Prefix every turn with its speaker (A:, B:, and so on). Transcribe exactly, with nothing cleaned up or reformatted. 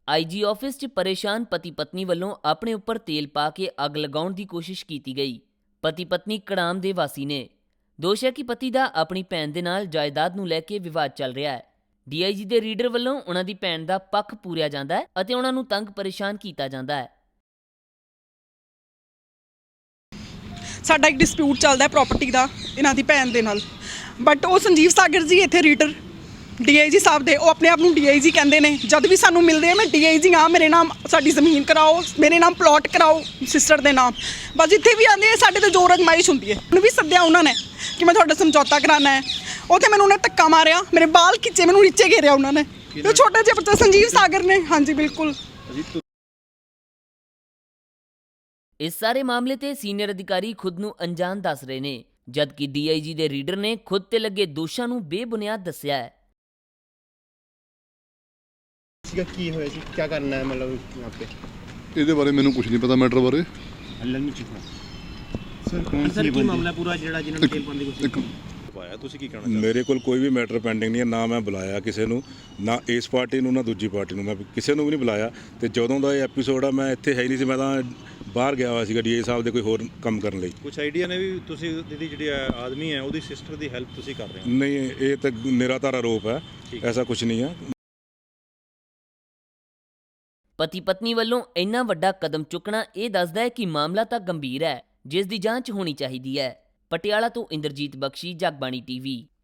A: आई जी office 'ਚ ਪਰੇਸ਼ਾਨ ਪਤੀ ਪਤਨੀ ਵੱਲੋਂ ਆਪਣੇ ਉੱਪਰ ਤੇਲ ਪਾ ਕੇ ਅੱਗ ਲਗਾਉਣ ਦੀ ਕੋਸ਼ਿਸ਼ ਕੀਤੀ ਗਈ। ਪਤੀ ਪਤਨੀ ਕੜਾਮ ਦੇ ਵਾਸੀ ਨੇ। ਦੋਸ਼ ਹੈ ਕਿ ਪਤੀ ਦਾ ਆਪਣੀ ਭੈਣ ਦੇ ਨਾਲ ਜਾਇਦਾਦ ਨੂੰ ਲੈ ਕੇ ਵਿਵਾਦ ਚੱਲ ਰਿਹਾ ਹੈ। ਡੀ ਆਈ ਜੀ ਦੇ ਰੀਡਰ ਵੱਲੋਂ ਉਹਨਾਂ ਦੀ ਭੈਣ ਦਾ ਪੱਖ ਪੂਰਿਆ ਜਾਂਦਾ ਹੈ ਅਤੇ ਉਹਨਾਂ ਨੂੰ ਤੰਗ ਪਰੇਸ਼ਾਨ ਕੀਤਾ ਜਾਂਦਾ ਹੈ।
B: ਸਾਡਾ ਇੱਕ ਡਿਸਪਿਊਟ ਚੱਲਦਾ ਹੈ ਪ੍ਰਾਪਰਟੀ ਦਾ ਇਹਨਾਂ ਦੀ ਭੈਣ ਦੇ ਨਾਲ, ਬਟ ਉਹ ਸੰਜੀਵ ਸਾਗਰ ਜੀ ਇੱਥੇ ਰੀਡਰ ਡੀ ਆਈ ਜੀ ਸਾਹਿਬ ਦੇ, ਉਹ ਆਪਣੇ ਆਪ ਨੂੰ ਡੀ ਆਈ ਜੀ ਕਹਿੰਦੇ ਨੇ। ਜਦ ਵੀ ਸਾਨੂੰ ਮਿਲਦੇ ਆ ਮੈਂ ਡੀ ਆਈ ਜੀ ਹਾਂ, ਮੇਰੇ ਨਾਮ ਸਾਡੀ ਜ਼ਮੀਨ ਕਰਾਓ, ਮੇਰੇ ਨਾਮ ਪਲਾਟ ਕਰਾਓ ਸਿਸਟਰ ਦੇ ਨਾਮ। ਬਸ ਜਿੱਥੇ ਵੀ ਆਉਂਦੇ ਸਾਡੇ ਤੇ ਜ਼ੋਰ ਅਜ਼ਮਾਇਸ਼ ਹੁੰਦੀ ਹੈ। ਮੈਨੂੰ ਵੀ ਸੱਦਿਆ ਉਹਨਾਂ ਨੇ ਕਿ ਮੈਂ ਤੁਹਾਡਾ ਸਮਝੌਤਾ ਕਰਾਉਣਾ ਹੈ। ਉੱਥੇ ਮੈਨੂੰ ਉਹਨੇ ਧੱਕਾ ਮਾਰਿਆ, ਮੇਰੇ ਬਾਲ ਖਿੱਚੇ, ਮੈਨੂੰ ਨੀਚੇ ਘੇਰਿਆ ਉਹਨਾਂ ਨੇ। ਤੇ ਛੋਟੇ ਜਿਹੇ ਬੱਚੇ ਸੰਜੀਵ ਸਾਗਰ ਨੇ। ਹਾਂਜੀ ਬਿਲਕੁਲ।
A: ਇਸ ਸਾਰੇ ਮਾਮਲੇ ਤੇ ਸੀਨੀਅਰ ਅਧਿਕਾਰੀ ਖੁਦ ਨੂੰ ਅਣਜਾਣ ਦੱਸ ਰਹੇ ਨੇ, ਜਦਕਿ ਡੀ ਆਈ ਜੀ ਦੇ ਰੀਡਰ ਨੇ ਖੁਦ ਤੇ ਲੱਗੇ ਦੋਸ਼ਾਂ ਨੂੰ ਬੇਬੁਨਿਆਦ ਦੱਸਿਆ ਹੈ।
C: ਕੀ ਹੋਇਆ ਸੀ, ਕੀ ਕਰਨਾ ਹੈ ਮਤਲਬ यहाँ पे?
D: ਇਹਦੇ ਬਾਰੇ ਮੈਨੂੰ ਕੁਝ ਨਹੀਂ ਪਤਾ ਮੈਟਰ ਬਾਰੇ।
C: ਹੱਲ ਨਹੀਂ ਚੁੱਕਾ ਸਰ। ਕੌਣ ਸਰ ਕੀ ਮਾਮਲਾ ਪੂਰਾ ਜਿਹੜਾ ਜਿਹਨਾਂ ਨੂੰ ਤੇਲ ਪਾਉਣ ਦੀ ਕੋਸ਼ਿਸ਼
E: ਪਾਇਆ? ਤੁਸੀਂ ਕੀ ਕਹਿਣਾ ਚਾਹੁੰਦੇ? ਮੇਰੇ ਕੋਲ ਕੋਈ ਵੀ ਮੈਟਰ ਪੈਂਡਿੰਗ ਨਹੀਂ ਹੈ, ਨਾ ਮੈਂ ਬੁਲਾਇਆ ਕਿਸੇ ਨੂੰ, ਨਾ ਇਸ ਪਾਰਟੀ ਨੂੰ ਨਾ ਦੂਜੀ ਪਾਰਟੀ ਨੂੰ, ਮੈਂ ਕਿਸੇ ਨੂੰ ਵੀ ਨਹੀਂ ਬੁਲਾਇਆ। ਤੇ ਜਦੋਂ ਦਾ ਇਹ ਐਪੀਸੋਡ ਆ ਮੈਂ ਇੱਥੇ ਹੈ ਹੀ ਨਹੀਂ ਸੀ, ਮੈਂ ਤਾਂ ਬਾਹਰ ਗਿਆ ਹੋਇਆ ਸੀਗਾ ਡੀ ਆਈ ਸਾਹਿਬ ਦੇ ਕੋਈ ਹੋਰ ਕੰਮ ਕਰਨ ਲਈ।
F: ਕੁਝ ਆਈਡੀਆ ਨੇ ਵੀ ਤੁਸੀਂ ਦੀਦੀ ਜਿਹੜੀ ਆਦਮੀ ਹੈ ਉਹਦੀ ਸਿਸਟਰ ਦੀ ਹੈਲਪ ਤੁਸੀਂ ਕਰ ਰਹੇ ਹੋ?
E: ਨਹੀਂ, ਇਹ ਤਾਂ ਨਿਰਾਧਾਰ ਆਰੋਪ ਹੈ, ਐਸਾ ਕੁਝ ਨਹੀਂ ਹੈ।
A: ਪਤੀ ਪਤਨੀ ਵੱਲੋਂ ਇੰਨਾ ਵੱਡਾ ਕਦਮ ਚੁੱਕਣਾ ਇਹ ਦੱਸਦਾ ਹੈ ਕਿ ਮਾਮਲਾ ਤਾਂ ਗੰਭੀਰ ਹੈ, ਜਿਸ ਦੀ ਜਾਂਚ ਹੋਣੀ ਚਾਹੀਦੀ ਹੈ। ਪਟਿਆਲਾ ਤੋਂ ਇੰਦਰਜੀਤ ਬਖਸ਼ੀ, ਜਗਬਾਣੀ ਟੀਵੀ।